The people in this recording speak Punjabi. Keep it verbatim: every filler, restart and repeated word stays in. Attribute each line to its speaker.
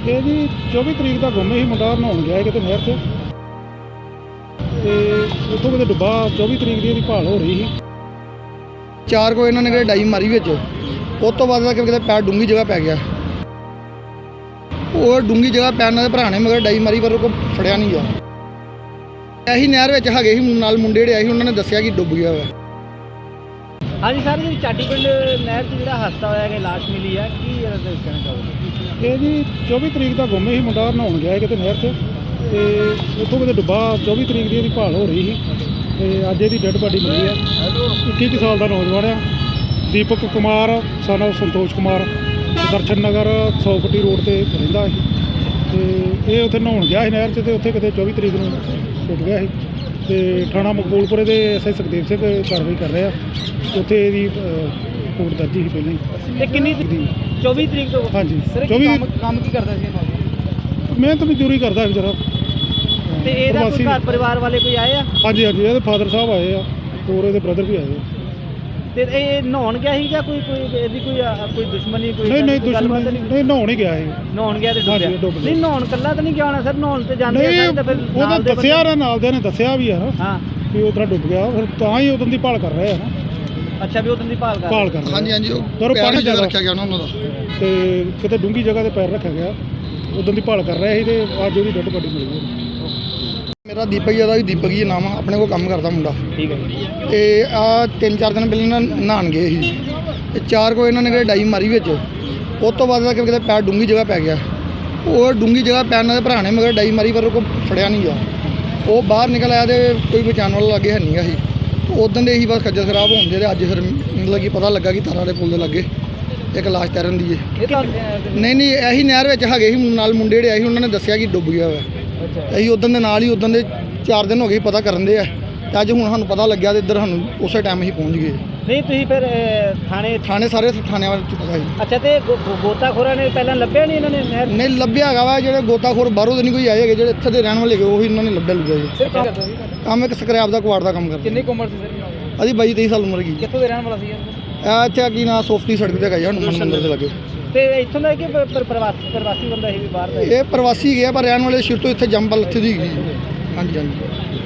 Speaker 1: ਇਹ ਜੀ ਚੌਵੀ ਤਰੀਕ ਦਾ ਗੁੰਮ ਸੀ ਮੁੰਡਾ, ਨਹਾਉਣ ਗਿਆ ਕਿਤੇ ਨਹਿਰ 'ਚ ਤੇ ਉੱਥੋਂ ਕਿਤੇ ਡੁੱਬਾ। ਚੌਵੀ ਤਰੀਕ ਦੀ ਇਹਦੀ ਭਾਲ ਹੋ ਰਹੀ ਸੀ।
Speaker 2: ਚਾਰ ਕੋ ਇਹਨਾਂ ਨੇ ਕਿਤੇ ਡਾਈ ਮਾਰੀ ਵਿੱਚ, ਉਸ ਤੋਂ ਬਾਅਦ ਕਿਤੇ ਪੈਰ ਡੂੰਘੀ ਜਗ੍ਹਾ ਪੈ ਗਿਆ। ਉਹ ਡੂੰਘੀ ਜਗ੍ਹਾ ਪੈਣ ਨਾਲ ਭਰਾ ਨੇ ਮਗਰ ਡਾਈ ਮਾਰੀ, ਪਰ ਉਹ ਫੜਿਆ ਨਹੀਂ ਗਿਆ। ਇਹੀ ਨਹਿਰ ਵਿੱਚ ਹੈਗੇ ਸੀ ਨਾਲ ਮੁੰਡੇ ਜਿਹੜੇ ਆਏ ਸੀ, ਉਹਨਾਂ ਨੇ ਦੱਸਿਆ ਕਿ ਡੁੱਬ ਗਿਆ ਵਾ।
Speaker 3: ਹਾਂਜੀ ਸਰ, ਜੀ ਚਾਟੀ ਪਿੰਡ ਨਹਿਰ 'ਚ ਜਿਹੜਾ ਹਾਦਸਾ ਹੋਇਆ ਕਿ ਲਾਸ਼ ਮਿਲੀ ਹੈ, ਕੀ ਇਹਦਾ ਕਹਿਣਾ ਚਾਹੋਗੇ?
Speaker 1: ਇਹ ਜੀ ਚੌਵੀ ਤਰੀਕ ਦਾ ਗੁੰਮ ਸੀ ਮੁੰਡਾ, ਨਹਾਉਣ ਗਿਆ ਕਿਤੇ ਨਹਿਰ 'ਚ ਤੇ ਉੱਥੋਂ ਕਿਤੇ ਡੁੱਬਾ। ਚੌਵੀ ਤਰੀਕ ਦੀ ਇਹਦੀ ਭਾਲ ਹੋ ਰਹੀ ਸੀ ਤੇ ਅੱਜ ਇਹਦੀ ਡੈੱਡ ਬਾਡੀ ਮਿਲੀ ਆ। ਇੱਕੀ ਕੁ ਸਾਲ ਦਾ ਨੌਜਵਾਨ ਆ, ਦੀਪਕ ਕੁਮਾਰ ਸਨ ਸੰਤੋਸ਼ ਕੁਮਾਰ, ਦਰਸ਼ਨ ਨਗਰ ਸੌ ਫੁੱਟੀ ਰੋਡ 'ਤੇ ਰਹਿੰਦਾ ਸੀ ਤੇ ਇਹ ਉੱਥੇ ਨਹਾਉਣ ਗਿਆ ਸੀ ਨਹਿਰ 'ਚ ਤੇ ਉੱਥੇ ਕਿਤੇ ਚੌਵੀ ਤਰੀਕ ਨੂੰ ਡੁੱਬ ਗਿਆ ਸੀ ਤੇ ਥਾਣਾ ਮਕਬੂਲਪੁਰੇ ਦੇ ਐਸ ਆਈ ਸੁਖਦੇਵ ਸਿੰਘ ਕਾਰਵਾਈ ਕਰ ਰਿਹਾ। ਉੱਥੇ ਇਹਦੀ ਰਿਪੋਰਟ ਦਰਜ ਸੀ ਪਹਿਲਾਂ ਹੀ।
Speaker 3: ਤੇ ਕਿੰਨੀ ਚੌਵੀ ਤਰੀਕ ਤੋਂ?
Speaker 1: ਹਾਂਜੀ
Speaker 3: ਚੌਵੀ।
Speaker 1: ਚੌਵੀ।
Speaker 3: ਕੰਮ ਕੀ ਕਰਦਾ ਸੀ?
Speaker 1: ਮਿਹਨਤ ਮਜ਼ਦੂਰੀ ਕਰਦਾ ਸੀ ਜਰਾ।
Speaker 3: ਤੇ ਇਹਦਾ ਕੋਈ ਘਰ ਪਰਿਵਾਰ ਵਾਲੇ ਕੋਈ ਆਏ ਆ?
Speaker 1: ਹਾਂਜੀ ਹਾਂਜੀ, ਇਹਦੇ ਫਾਦਰ ਸਾਹਿਬ ਆਏ ਆ, ਹੋਰ ਇਹਦੇ ਬ੍ਰਦਰ ਵੀ ਆਏ ਆ।
Speaker 3: ਤੇ ਇਹ ਨਹਾਉਣ ਗਿਆ ਸੀ ਜਾਂ ਕੋਈ ਕੋਈ ਇਹਦੀ ਕੋਈ ਕੋਈ ਦੁਸ਼ਮਣੀ ਕੋਈ?
Speaker 1: ਨਹੀਂ ਨਹੀਂ ਦੁਸ਼ਮਣ ਨਹੀਂ, ਨਹਾਉਣ ਹੀ ਗਿਆ ਸੀ।
Speaker 3: ਨਹਾਉਣ ਗਿਆ ਤੇ
Speaker 1: ਹਾਂਜੀ,
Speaker 3: ਡੁੱਬਿਆ?
Speaker 1: ਡੁੱਬ ਗਿਆ।
Speaker 3: ਨਹੀਂ ਨਹਾਉਣ ਕੱਲਾ ਤਾਂ ਨਹੀਂ ਗਿਆ ਹੋਣਾ ਸਰ, ਨਹਾਉਣ ਤੇ ਜਾਂਦੇ ਆ
Speaker 1: ਨਹੀਂ,
Speaker 3: ਸਾਰੇ ਤਾਂ ਫਿਰ
Speaker 1: ਉਹਦਾ
Speaker 3: ਨਾਲ ਦੇ
Speaker 1: ਦੱਸਿਆ ਨਾ, ਨਾਲ ਦੇ ਨੇ ਦੱਸਿਆ ਵੀ ਆ
Speaker 3: ਹਾਂ
Speaker 1: ਵੀ ਉਹ ਤਰ੍ਹਾਂ ਡੁੱਬ ਗਿਆ, ਫਿਰ ਤਾਂ ਹੀ ਉਦੋਂ ਦੀ ਭਾਲ ਕਰ ਰਹੇ ਆ ਨਾ।
Speaker 3: ਅੱਛਾ, ਵੀ ਉਦੋਂ ਦੀ ਭਾਲ ਕਰ
Speaker 1: ਭਾਲ ਕਰ ਰਹੇ ਆ।
Speaker 2: ਹਾਂਜੀ ਹਾਂਜੀ,
Speaker 1: ਪਰ ਉਹ
Speaker 2: ਪੈਰ
Speaker 1: ਪਾਣੀ
Speaker 2: ਜਗ੍ਹਾ ਰੱਖਿਆ ਗਿਆ ਉਹਨਾਂ ਦਾ
Speaker 1: ਤੇ ਕਿਤੇ ਡੂੰਘੀ ਜਗ੍ਹਾ ਤੇ ਪੈਰ ਰੱਖਿਆ ਗਿਆ, ਉਦੋਂ ਦੀ ਭਾਲ ਕਰ ਰਹੇ ਸੀ ਤੇ ਅੱਜ ਉਹਦੀ ਡੈੱਡ ਬਾਡੀ ਮਿਲੀ ਹੈ।
Speaker 2: ਮੇਰਾ ਦੀਪਕ ਜੀ ਦਾ ਵੀ ਦੀਪਕ ਜੀ ਨਾਮ ਆ, ਆਪਣੇ ਕੋਲ ਕੰਮ ਕਰਦਾ ਮੁੰਡਾ।
Speaker 3: ਠੀਕ ਹੈ।
Speaker 2: ਤੇ ਆ ਤਿੰਨ ਚਾਰ ਦਿਨ ਪਹਿਲਾਂ ਨਹਾਉਣ ਗਏ ਸੀ ਤੇ ਚਾਰ ਕੋ ਇਹਨਾਂ ਨੇ ਕਿਤੇ ਡਾਈ ਮਾਰੀ ਵਿੱਚ, ਉਸ ਤੋਂ ਬਾਅਦ ਕਿਤੇ ਪੈਰ ਡੂੰਘੀ ਜਗ੍ਹਾ ਪੈ ਗਿਆ। ਉਹ ਡੂੰਘੀ ਜਗ੍ਹਾ ਪੈਣ ਨਾਲ ਭਰਾ ਨੇ ਮਗਰ ਡਾਈ ਮਾਰੀ, ਪਰ ਉਹ ਫੜਿਆ ਨਹੀਂ ਗਿਆ। ਉਹ ਬਾਹਰ ਨਿਕਲ ਆਇਆ ਤੇ ਕੋਈ ਬਚਾਉਣ ਵਾਲਾ ਲਾਗੇ ਹੈ ਨਹੀਂ ਗਾ ਸੀ। ਉਦੋਂ ਦੇ ਹੀ ਬਸ ਖੱਜਲ ਖਰਾਬ ਹੋਣ ਦੇ, ਅੱਜ ਫਿਰ ਮਤਲਬ ਕਿ ਪਤਾ ਲੱਗਾ ਕਿ ਤਾਰਾਂ ਦੇ ਪੁਲ ਦੇ ਲਾਗੇ ਇੱਕ ਲਾਸ਼ ਤੈਰਨ ਦੀ ਹੈ। ਨਹੀਂ ਨਹੀਂ, ਇਹੀ ਨਹਿਰ ਵਿੱਚ ਹੈਗੇ ਸੀ ਨਾਲ ਮੁੰਡੇ ਜਿਹੜੇ ਆਏ ਸੀ, ਉਹਨਾਂ ਨੇ ਦੱਸਿਆ ਕਿ ਡੁੱਬ ਗਿਆ ਵਾ। ਅਸੀਂ ਉਦੋਂ ਦੇ ਨਾਲ ਹੀ ਉਦੋਂ ਦੇ ਚਾਰ ਦਿਨ ਹੋ ਗਏ ਪਤਾ ਕਰਨ ਦੇ ਆ, ਤੇ ਅੱਜ ਹੁਣ ਸਾਨੂੰ ਪਤਾ ਲੱਗਿਆ ਤੇ ਇੱਧਰ ਸਾਨੂੰ ਉਸੇ ਟਾਈਮ ਅਸੀਂ ਪਹੁੰਚ ਗਏ।
Speaker 3: ਨਹੀਂ ਤੁਸੀਂ ਫਿਰ ਥਾਣੇ?
Speaker 2: ਥਾਣੇ ਸਾਰੇ ਥਾਣਿਆਂ ਵਿੱਚ ਪਤਾ ਸੀ।
Speaker 3: ਅੱਛਾ, ਤੇ ਗੋਤਾਖੋਰਾਂ ਨੇ ਪਹਿਲਾਂ ਲੱਭਿਆ ਨਹੀਂ ਇਹਨਾਂ ਨੇ ਨਹਿਰ?
Speaker 2: ਨਹੀਂ ਲੱਭਿਆ ਹੈਗਾ ਵਾ, ਜਿਹੜੇ ਗੋਤਾਖੋਰ ਬਾਹਰੋਂ ਦੇ ਨਹੀਂ ਕੋਈ ਆਏ ਹੈਗੇ, ਜਿਹੜੇ ਇੱਥੇ ਦੇ ਰਹਿਣ ਵਾਲੇ ਹੈਗੇ ਉਹੀ ਇਹਨਾਂ ਨੇ ਲੱਭਿਆ ਲੁੱਭਿਆ ਜੀ। ਕੰਮ ਇੱਕ ਸਕ੍ਰੈਪ ਦਾ ਕੁਆੜ ਦਾ ਕੰਮ ਕਰਦੇ।
Speaker 3: ਕਿੰਨੀ ਉਮਰ ਸੀ ਸਰ?
Speaker 2: ਅਸੀਂ ਬਾਈ ਤੇਈ ਸਾਲ ਉਮਰ ਕੀ।
Speaker 3: ਕਿੱਥੋਂ ਦੇ ਰਹਿਣ ਵਾਲਾ ਸੀ?
Speaker 2: ਆ ਇੱਥੇ ਕੀ ਨਾ ਸੋਫਟੀ ਸੜਕ ਤੇ ਹੈਗਾ ਜੀ, ਹਨੂੰਮਾਨ ਮੰਦਿਰ ਦੇ ਲਾਗੇ।
Speaker 3: ਤੇ ਇੱਥੋਂ ਦਾ ਕਿ ਪ੍ਰਵਾਸੀ ਪ੍ਰਵਾਸੀ ਬੰਦਾ ਸੀ ਵੀ ਬਾਹਰ ਦਾ?
Speaker 2: ਇਹ ਪ੍ਰਵਾਸੀ ਗਿਆ ਪਰ ਰਹਿਣ ਵਾਲੇ ਸ਼ੁਰੂ ਤੋਂ ਇੱਥੇ ਜੰਮਪਲ ਇੱਥੇ ਦੀ ਹੈਗੀ। ਹਾਂਜੀ ਹਾਂਜੀ।